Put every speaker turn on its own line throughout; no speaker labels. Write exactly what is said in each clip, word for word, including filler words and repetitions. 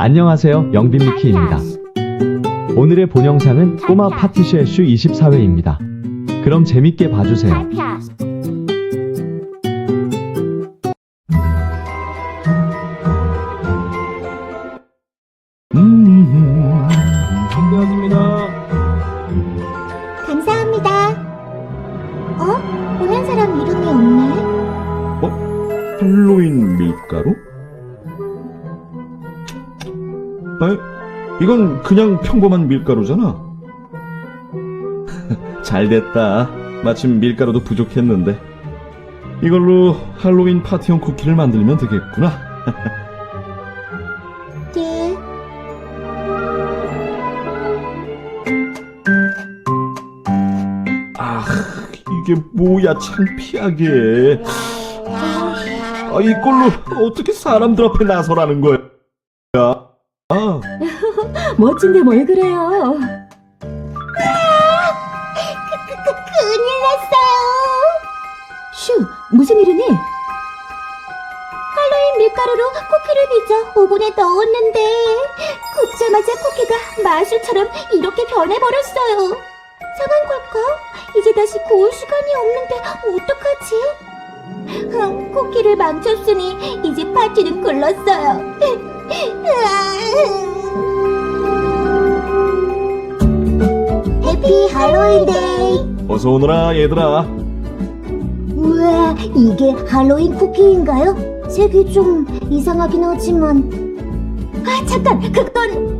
안녕하세요, 영빈미키입니다. 오늘의 본 영상은 꼬마 파티쉐 슈 이십사 회입니다. 그럼 재밌게 봐주세요.
음, 준비하십니다.
감사합니다. 어? 보낸 사람 이름이 없네.
어? 할로윈 밀가루? 아, 이건 그냥 평범한 밀가루잖아. 잘됐다. 마침 밀가루도 부족했는데. 이걸로 할로윈 파티용 쿠키를 만들면 되겠구나.
네.
아, 이게 뭐야, 창피하게. 아, 이걸로 어떻게 사람들 앞에 나서라는 거야? 아,
멋진데 뭘 그래요?
큰일 났어요.
슈, 무슨 일이니?
할로윈 밀가루로 쿠키를 빚어 오븐에 넣었는데 굽자마자 쿠키가 마술처럼 이렇게 변해버렸어요. 상한 걸까? 이제 다시 구울 시간이 없는데 어떡하지? 흥, 쿠키를 망쳤으니 이제 파티는 글렀어요. 해피 할로윈 데이.
어서 오너라, 얘들아.
우와, 이게 할로윈 쿠키인가요? 색이 좀 이상하긴 하지만. 아, 잠깐, 그건.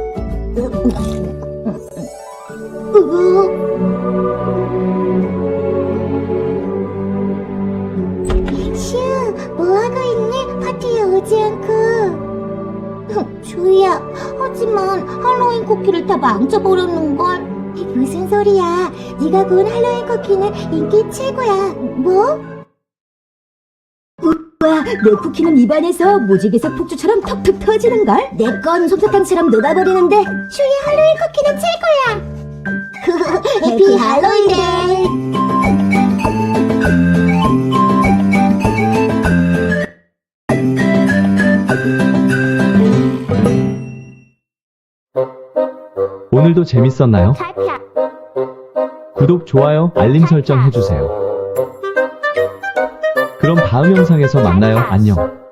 슈, 뭐하고 있니? 파티에 오지 않고. 조이야, 하지만 할로윈 쿠키를 다 망쳐버렸는걸. 무슨 소리야? 네가 구운 할로윈 쿠키는 인기 최고야. 뭐?
와, 내 쿠키는 입안에서 무지개색 폭주처럼 톡톡 터지는걸?
내 건 솜사탕처럼 녹아버리는데 슈의 할로윈 쿠키는 최고야. 해피 할로윈 데이.
오늘도 재밌었나요? 구독, 좋아요, 알림 설정 해주세요. 그럼 다음 영상에서 만나요. 안녕.